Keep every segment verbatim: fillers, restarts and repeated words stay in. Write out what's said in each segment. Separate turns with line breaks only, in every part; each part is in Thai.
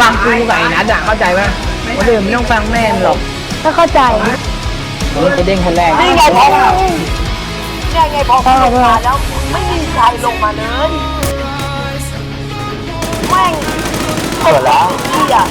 ฟังกูไก่นัดอะเข้าใจป่ะคนอื่นไม่ต้องฟังแม่หรอก
ก็เข้าใจ
มันจะเด้งคนแรก
นี่ไงพอนี่ไงพอลงมาแล้วไม่มีใครลงมาเลยแม่งเกิดแล้วพี่อะ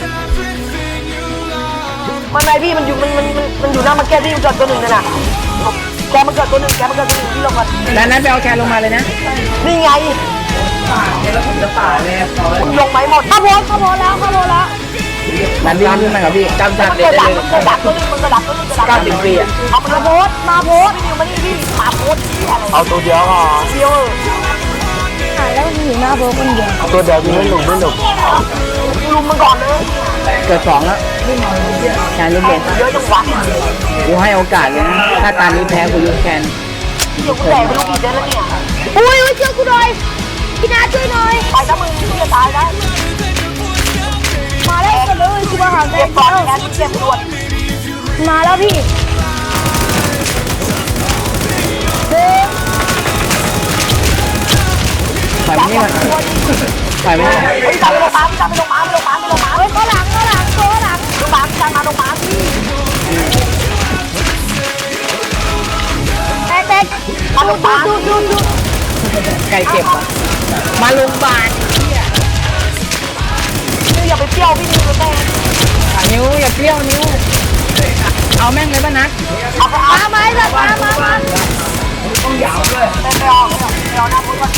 มันไงพี่มันอยู่มันมันมันอยู่หน้ามาแก้ที่มันเกิดตัวหนึ่งนั่นน่ะแกมันเกิดตัวหนึ่งแกมันเกิดตัวหนึ่งที่ลงมา
แล้วนั้นไปเอาแคนลงมาเลยนะ
นี่ไง
แล้วผมจะป่าเลย
คุณลงไหมหมด
ข้าโพสข้าโพสแล้วข้าโพสแล้ว
นั่นพี่นี่มันกับพี่จำจัดเลยเลย
มันดักตัวนึงมันกระดักตัวนึงกระดัก
เก้าสิบปีอะ
เอามา
โพสมาโพส
พี่นิวมานี่พี่มาโพส
เอาตัวเดียวอ่ะ
เดียว
หายแล้วมันอยู่หน้าโพสคนเดียว
ตัวเดียวไม่หนุกไม่หนุก
ลุมมันก่อนเลย
เกิดสองแล้วแคนลูกเบส
เยอะจังวะ
กูให้โอกาสเลยนะถ้าตอนนี้แพ้กูยุบแคน
เดี๋ยวกูแตกไปลูกอีกเดือนแล้วเนี่ย
อุ้ยอุ้ยช่วยกูหน่อยพี่นาช่วยหน่อย
ไปนะมึงมึงจะตายนะ
มาแล้วกันเลยกูมาหาแม่
เก็บก่อนแอนเก็บด่วน
มาแล้วพี่
ปล่อยไม่ได้ปล่อยไม่ได้
เฮ้ยตามไปลงมาพี่ตามไปลงมาไปลงมาไปลงมา
เฮ้ยก็หลังก็หลังก็หลัง
ลงมาพี่ตามมาลงมาพี่
แตกแตก
มาลงมา
ดูดูดู
ไก่เก็บอะมาโรงพยาบาล
นี่อย่าไปเปรี้ยวพี่นิวเลยแม่
นิ้วอย่าเปรี้ยวนิ้วเอาแม่งเลยป่ะนัด
มาไหมล่ะมามามา
ต้องยาวด้วย
ไม่ไม่เอาไม่เอาไม่เอาหน้าพูดก่อน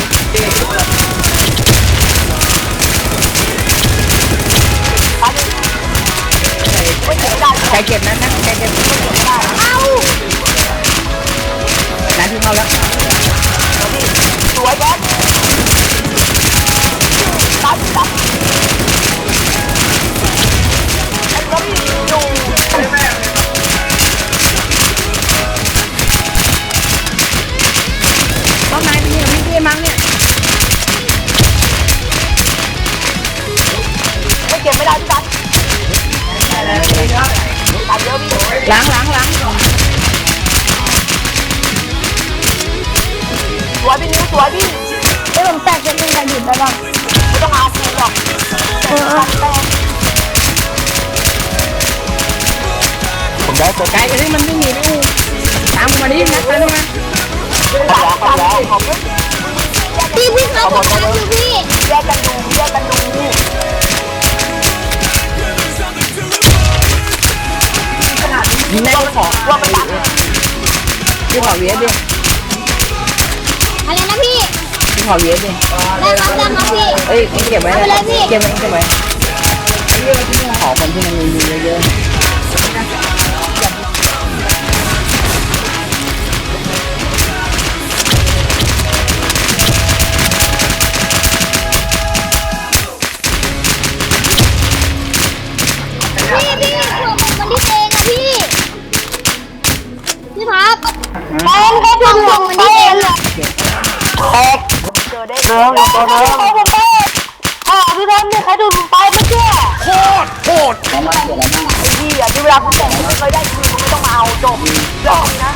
ไก่เก็บนะนะไก่เก็บ
เอา
นัดที่เข้าแล้ว
สวยแบ๊กตัดตัดไอ้ก็มีอยู่
ต้นไม้พี่พี่พี่มั้งเนี่ย
ไม่เก็บไม่ได้พี่ตัดตัดเยอะพี่
ล้างล้างล้าง
สวยพี่นิ้วสวยพี่
เดี๋ยวผมแตกจะเป็นการหยุดได้บ้าง
ไม่ต้องอาซีหรอก
ผมได้ตัว
ไก่ที่มันไม่หนีไม่อู้ตามมาดินัดตามมา
พี่พี่เขาบอกว่าอยู่พี่
แยกกันดูแยกกันดู
ยิงแม่ขอ
ว่ามันดัง
พี่ขอเวียดดิ
อะไรนะพี่
พี่ขอเวียดดิ
ได้ครับได้ครับพี่
เอ้ยเก็บไว้เก็บไว้เก็บไว้ขอคนที่มันมีเยอะ
พี่พี่ผมมันที่เองอะพี่พี่พับแป้งก็ผมผมมันที่เองเลย
แตกเจอได้เจอ
ตัวนึงผมไปอ่าพี่พับเนี่ยใครดูผมไปไม่เชื่อ
โคตรโคตรไอ้พี่อ่ะที่เวลาคุณแต่งไม่เคยได้คืนคุณไม่ต้องมาเอาจบจบนะ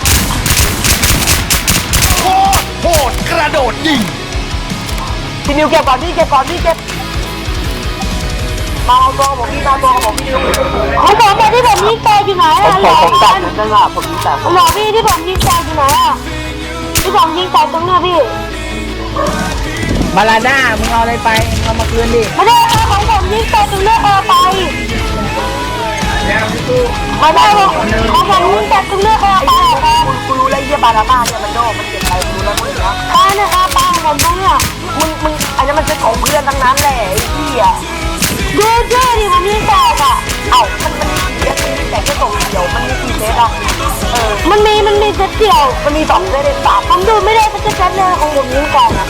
โคตรโคตรกระโดดยิง
พี่นิวเก็บก่อนพี่เก็บก่อนพี่เก็บมาเอาตัวผมพี่มาตัวผมพี่นิว
เขาบอกว่าที่ผมยิงแตกอยู่ไหนอ่ะห
ผ
ล่อ
มตัดเหมือนกันอ่ะผมยิงแตก
หล่อพี่ที่ผมยิงแตกอยู่ไหนอ่ะที่ผมยิงแตกตรงเนี้ยพี่
บาลาด้ามึงเอาอะไรไปเอามาคืนดิ
ไม่ได้เอาของผมยิงแตกตรงเนี้ยเอาไปไม่ได้ของผมยิงแตกตรงเนี้ยเอาไป
กูรู้แล้วยี่บารามาเนี่ยมันโดมันเก็บไปกูแล้วมึงนะ
ป้าเนี่ยครับป้าผมตรงเนี้ย
มึงมึงอันนี้มันเป็นของเพื่อนทั้งนั้นแหละไอ้พี่อ่ะ
ดูเชื่อดิผมยิงแตกอ่ะ
เอ้ามันมันเยอะมันแต่แค่ตรงเดียวมันมีกี่เซตอ่ะเออ
มันมีมันมีเซตเดียว
มันมีสองเซตเลยสาม
ผมดูไม่ได้สักเซตเลยของผมยิงแตกอ่ะ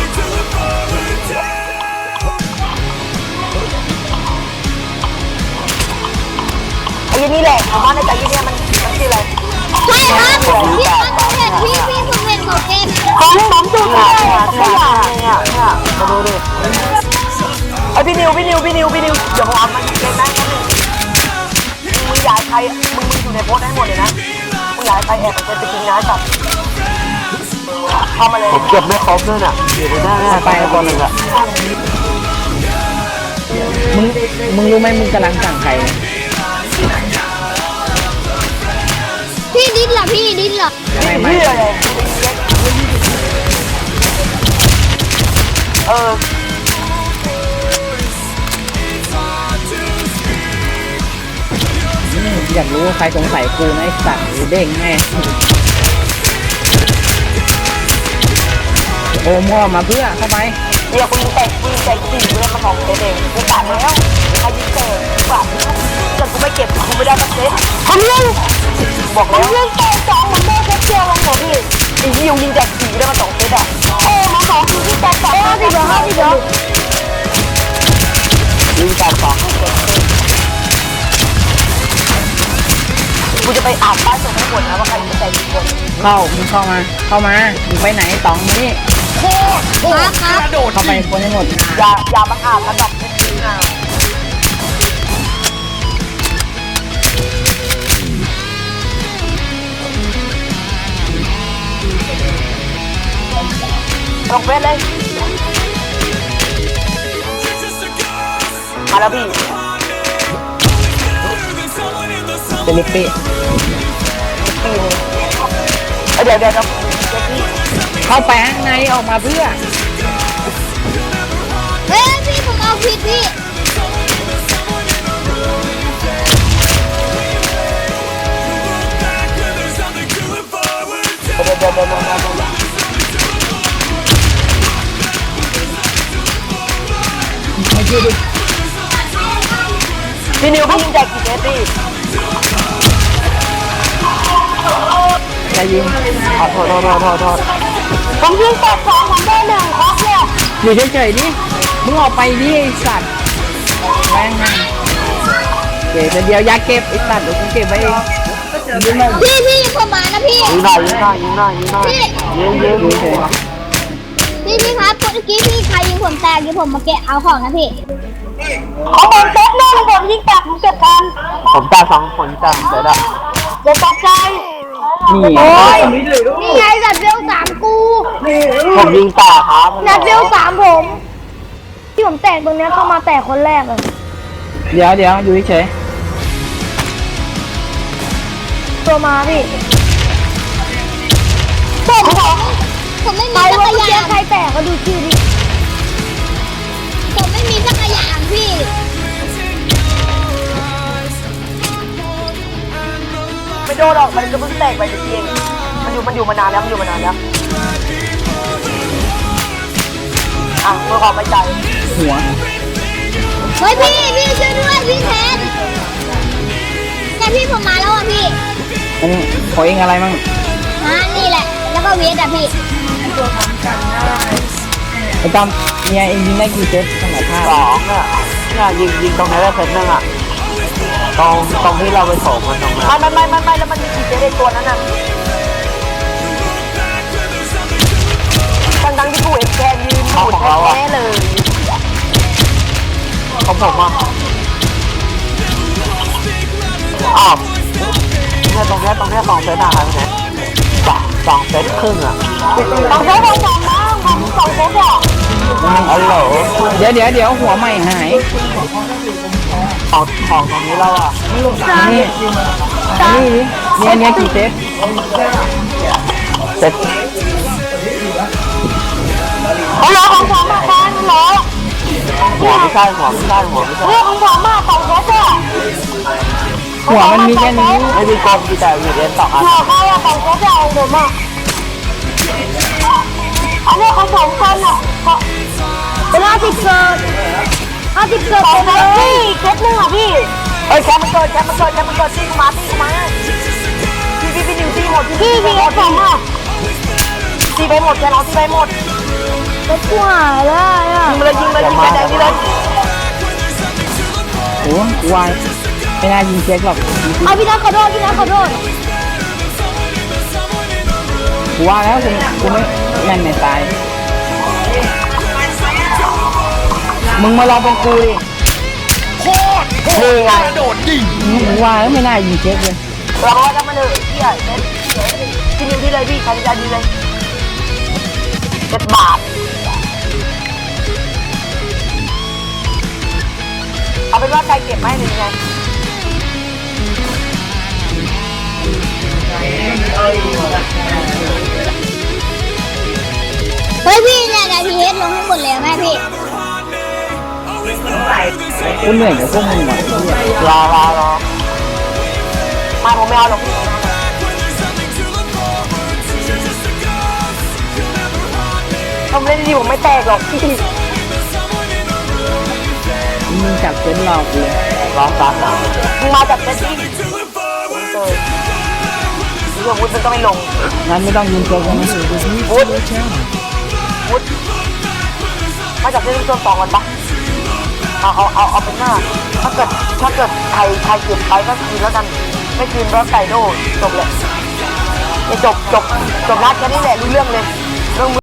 ไอ้นี่แหละผมว่าในใจยี่เนี่ยมันมันคืออะไร
ใช่ครับพี่ผมเห็นพี่พี่ผมเห็นผมเอง
ของผมดูได้ไม่อยากเนี่ยเนี่ยมาดูดิไอพี่นิวพี่นิวพี่นิวพี่นิวเดี๋ยวผมเอามันเล่นนะมึงอยากใครมึงมึงอยู่ในโพสได้หมดเลยนะมึงอยากใครแอบไปจะกินน้ำจับเข้ามาเลย
ผมเก็บไม่ครบด้วยน่ะอยู่ในหน้าหน้าไปบอลเลยอ่ะ
มึงมึงรู้ไหมมึงกำลังสั่งใคร
พี่ดิ้นเหรอพี่ดิ้นเหรอ
ไม่ไม่
เหี้ยเลยเออ
อยากรู้ว่าใครสงสัยกูนะไอ้สัตว์หรือเด้งแม่โอมก็มาเพื่อเข้าไป
เดี๋ยวกูยิงแตกกูยิงแตกสี่กูได้มาสองเซตเองกูตัดแล้วใครยิงแตกกูตัดแต่กูไม่เก็บกูไม่ได้สักเซตทำยังบอกแล้วยิงแตกสองมันได้แค่เดียวลงหัวพี่ไอ้ยิงยิงแตกสี่กูได้มาสองเซตอ่ะเออมาสองคือยิงแตกสองห้าสิบเดียวห้าสิบเดียวยิงแตกสองกูจะไปอ่านป้ายส่งให้หมดนะว่าใครยิงแตกกี่คน
เข้ามึงเข้ามาเข้ามามึงไปไหนตองนี่
ครับครับ
กระโดด
เข้าไปคนให้หมด
อย่าอย่ามาอ่านระดับไม่ดีนะลงเฟสเลยมาแล้วพี่
เจลิปปี้
ปีนึงเดี๋ยวเดี๋ยวเดี๋ยวเจ๊กี้
เข้าไปข้างในออกมาเพื่อ
เฮ้ยพี่ผมเอาผิดพี่
เดี๋ยวเดี๋ยวเดี๋ยวเดี๋ยวเดี๋ยวพี่นิวพี่ยิงแจกกี่เซตพี่
จะยิง
ขอโทษโทษโทษโทษโทษผมยิงแตกสองผมได้หนึ่งครบเนี่ย
อยู่เฉยๆดิมึงออกไปดิไอ้สัตว์แม่งไงเก็บแต่เดียวอยาเก็บไอ้สัตว์เดี๋ยวกูเก็บไว้เองยิงมา
พี่พี่ผมมานะพี่
ยิงหน่อยยิงหน่อยยิงหน่อยยิงหน่อย
พี่
ยิงยิง
อยู่เฉย
พี่พี่ครับเมื่อกี้พี่ใครยิงผมแตกยิงผมมาเกะเอาของนะพี่
เขาโดนเซตแน่เลยผมยิงแตกผมเก็บกันผมตาสองคนตาเสร็จแล้วจะตกใจ
นี่
โอ้ยนี่ไงนัดเวลสามกู
ผมยิงตาครับ
นัดเวลสามผม ที่ผมแตกตรงเนี้ยเข้ามาแตกคนแรกเลย
เดี๋ยวเดี๋ยวอยู่เฉย
ตัวมาพี่ผมผมผมไม่มีจักรยานใครแตกก็ดูชื่อดิผมไม่มีจักรยานพี่
ไม่โดนหรอกมันจะเพิ่งแตกไปเองมันอยู่มันอยู่มานานแล้วมันอยู่มานานแล้วอ่ะเพื่อความไว้ใจ
ๆหัว
เฮ้ยพี่พี่ช่วยด้วยพี่แทนแต่พี่ผมมาแล้วอ่ะพี่
อันนี้ขอเองอะไรมั่ง
อ่านี่แหละ แล้วก็เวทอ่ะพี่
ไอ้ตอมเนี่ยเองยิงได้กี่เซตขนาดท่า
สองอ่ะเนี่ยยิงยิงตรงนี้ได้เซตนึงอ่ะตรงตรงที่เราไปโถมมันตรงนั้นไม่ไม่ไม่ไม่แล้วมันมีกี่เซตในตัวนั้นอ่ะทั้งทั้งที่กูเอ็กแกนยืนหมุนแท้ๆเลยของผมอ่ะอ้าวเนี่ยตรงนี้ตรงนี้สองเซตอ่ะครับเนี่ยสองสองเซตครึ่งอ่ะสองเซตสองสองนะผมสองเซตอ่ะอ๋อเหรอ
เดี๋ยวเดี๋ยวเดี๋ยวหัวใหม่หาย
ของของตรงนี้เราอ่ะ
นี่นี่เนี่ยเนี่ยกี่เซต
เซตฮัลโหลของผมมาแทนเหรอหัวไม่ใช่หัวไม่ใช่หัวไม่ใช่เรื่องของผมมาสองเซตอ่ะ
หัวมันมีแค่นี้
ไม่มีกลมมีแต่มีเอ็นสองอันหัวเขาอะสองเซตอ่ะของผมอ่ะอันนี้ของผมกันอ่ะเป็นห้าสิบเกิดห้าสิบเกิดเป็นเลยพี่เซตนึงอ่ะพี่เอ้ยแคมมันเกิดแคมมันเกิดแคมมันเกิดตีกูมาตีกูมาพี่พี่พี่นิวตีหมดพี่พี่เอฟผมอ่ะตีไปหมดแกเราตีไปหมด
รถกูหายแล้วอ่ะ
ยิงเลยยิงเลยยิงไปแดงนี่เลย
โอ้วายไม่น่ายิงเช็คหรอก
เอาพี่นัทขอโทษพี่นัทขอโทษ
กูว่าแล้วกูกูไม่แม่นไม่ตายมึงมาลองเป็นกูดิ
โคตรโหดกระโดดยิง
กูว่าแล้วไม่น่ายิงเช็คเลย
เราบอกว่าจะมาเลยพี่ใหญ่เซ็ตพี่นิวที่เลยพี่ใครจะดีเลยเจ็ดบาทก็บไหมหรือไง
เฮ้ยพี่เนี่ยแต่พีเอสลงให้หมดเลยแม่พี่
กูเหนื่อยกับพวกมึงว่ะ
รอรอรอไม่ผมไม่เอาหรอกพี่ผมเล่นดีผมไม่แตกหรอกพี่
มึงจับเส้นหลอกเลย
รอซักนะมึงมาจากเซตติ้งเจอเรื่องวุฒิมันก็ไม่ลง
งั้นไม่ต้องยิงตัวกันนะ
วุฒิวุฒิมาจากเซตติ้งตัวสองกันปะเอาเอาเอาเอาเป็นหน้าถ้าเกิดถ้าเกิดใครใครเก็บไปก็คืนแล้วกันไม่คืนก็ไก่โดจบเลยจบจบจบนัดแค่นี้แหละรู้เรื่องเลยเรื่อง